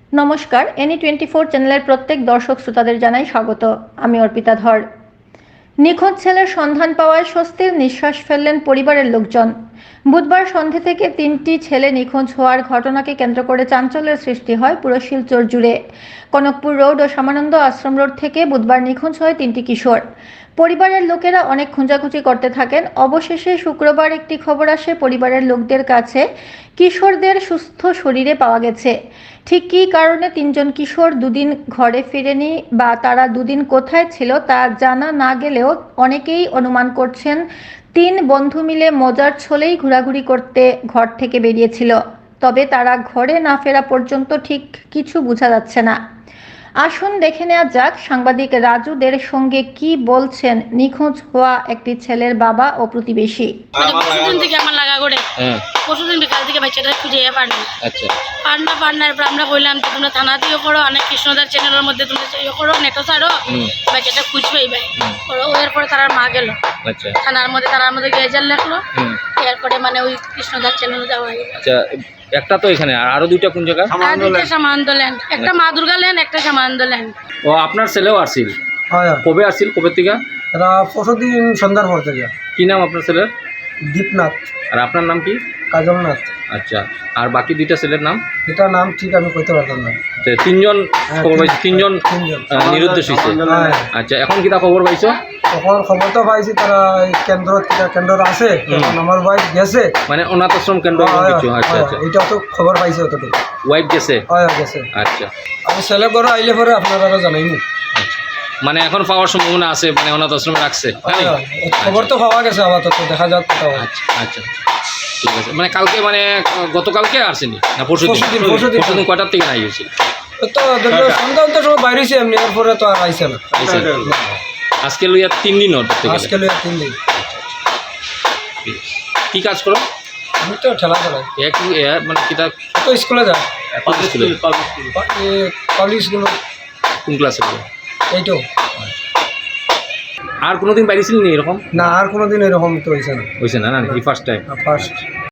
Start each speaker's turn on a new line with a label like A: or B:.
A: নমস্কার, এনি 24 চ্যানেলের প্রত্যেক দর্শক শ্রোতাদের জানাই স্বাগত। আমি অর্পিতা ধর। নিখোঁজ ছেলের সন্ধান পাওয়ায় স্বস্তির নিঃশ্বাস ফেললেন পরিবারের লোকজন। বুধবার সন্ধে থেকে 3টি ছেলে নিখোঁজ হওয়ার ঘটনাকে কেন্দ্র করে চাঞ্চল্যের সৃষ্টি হয় পুরো শিলচর জুড়ে। কনকপুর রোড ও শ্যামানন্দ আশ্রম রোড থেকে বুধবার নিখোঁজ হয় 3টি কিশোর। পরিবারের লোকেরা অনেক খোঁজাখুঁজি করতে থাকেন। অবশেষে শুক্রবার একটি খবর আসে পরিবারের লোকদের কাছে, কিশোরদের সুস্থ শরীরে পাওয়া গেছে। ঠিক কী কারণে 3জন কিশোর দুদিন ঘরে ফিরেনি বা তারা দুদিন কোথায় ছিল তা জানা না গেলেও অনেকেই অনুমান করছেন 3 বন্ধু মিলে মজার ছলেই ঘোরাঘুরি করতে ঘর থেকে বেরিয়েছিল। তবে তারা ঘরে না ফেরা পর্যন্ত ঠিক কিছু বোঝা যাচ্ছে না। আসুন দেখে নেওয়া যাক সাংবাদিক রাজুদের সঙ্গে কি বলছেন নিখোঁজ হওয়া একটি ছেলের বাবা ও প্রতিবেশী।
B: পরশুদিন থেকে আমার লাগা করে পরশুদিন বিকাল থেকে বাচ্চাটা খুঁজে পারনি। পারনা এরপর আমরা বললাম যে তোমরা থানা দিয়ে করো, অনেক কৃষ্ণদার চ্যানেলের মধ্যে তোমরা ইয়ে করো, নেটো ছাড়ো, বাচ্চাটা খুঁজবেই ভাই করো। এরপরে তার মা গেল থানার মধ্যে গেজাল লেখলো, এরপরে মানে ওই কৃষ্ণদার চ্যানেলে যাওয়া হয়ে গেল।
C: একটা তো এখানে আরো দুইটা কোন জায়গা?
B: দুইটা সামান্ত ল্যান্ড, একটা মা দুর্গা ল্যান্ড, একটা সামান্ত ল্যান্ড।
C: ও আপনার ছেলেও আসছিল? কবে আসছিল, কবে থেকে?
D: পরশুদিন সন্ধ্যার পর থেকে।
C: কি নাম আপনার ছেলের?
D: দীপনাথ।
C: আর আপনার নাম কি?
D: কাজলনাথ।
C: আচ্ছা, আর বাকি দুইটা ছেলের নাম?
D: এটা নাম ঠিক আমি কইতে পারতাম না।
C: 3জন খবর পাইছি, 3জন নিরুদ্দেশ হয়েছে। আচ্ছা, এখন কিটা খবর পাইছো?
D: তখন খবর তো পাইছি তারা কেন্দ্র আছে, আমার ওয়াইফ গেছে,
C: মানে অনাথ আশ্রম কেন্দ্র কিছু। আচ্ছা আচ্ছা,
D: এটা তো খবর পাইছে অতটুকু।
C: ওয়াইফ গেছে?
D: গেছে।
C: আচ্ছা,
D: আমি ছেলে করে আইলে পরে আপনারা জানাইনি।
C: মানে এখন পাওয়ার সম্ভাবনা আছে, মানে অনাথ আশ্রমে রাখছে?
D: খবর তো পাওয়া গেছে, আপাতত দেখা যাক।
C: আচ্ছা আচ্ছা, ঠিক আছে। মানে কালকে, মানে গতকালকে আসেনি না পরশুদিন কয়টার থেকে নাই হয়েছিল?
D: তো সন্ধ্যা সময় বাইরেছি এমনি, এরপরে তো আর আইসে না।
C: আজকে লইয়া 3 দিন
D: আজকে লইয়া 3 দিন।
C: কি কাজ করো?
D: আমি তো ঠেলা চালাই।
C: মানে কিতা
D: তো স্কুলে যায়, পাবলিক স্কুল।
C: কোন ক্লাসে?
D: এইটো।
C: আর কোনোদিন বাইরেছিল নি এরকম?
D: না, আর কোনোদিন এরকম তো হয়েছে না।
C: হয়েছে না? না, এই ফার্স্ট টাইম।
D: ফার্স্ট।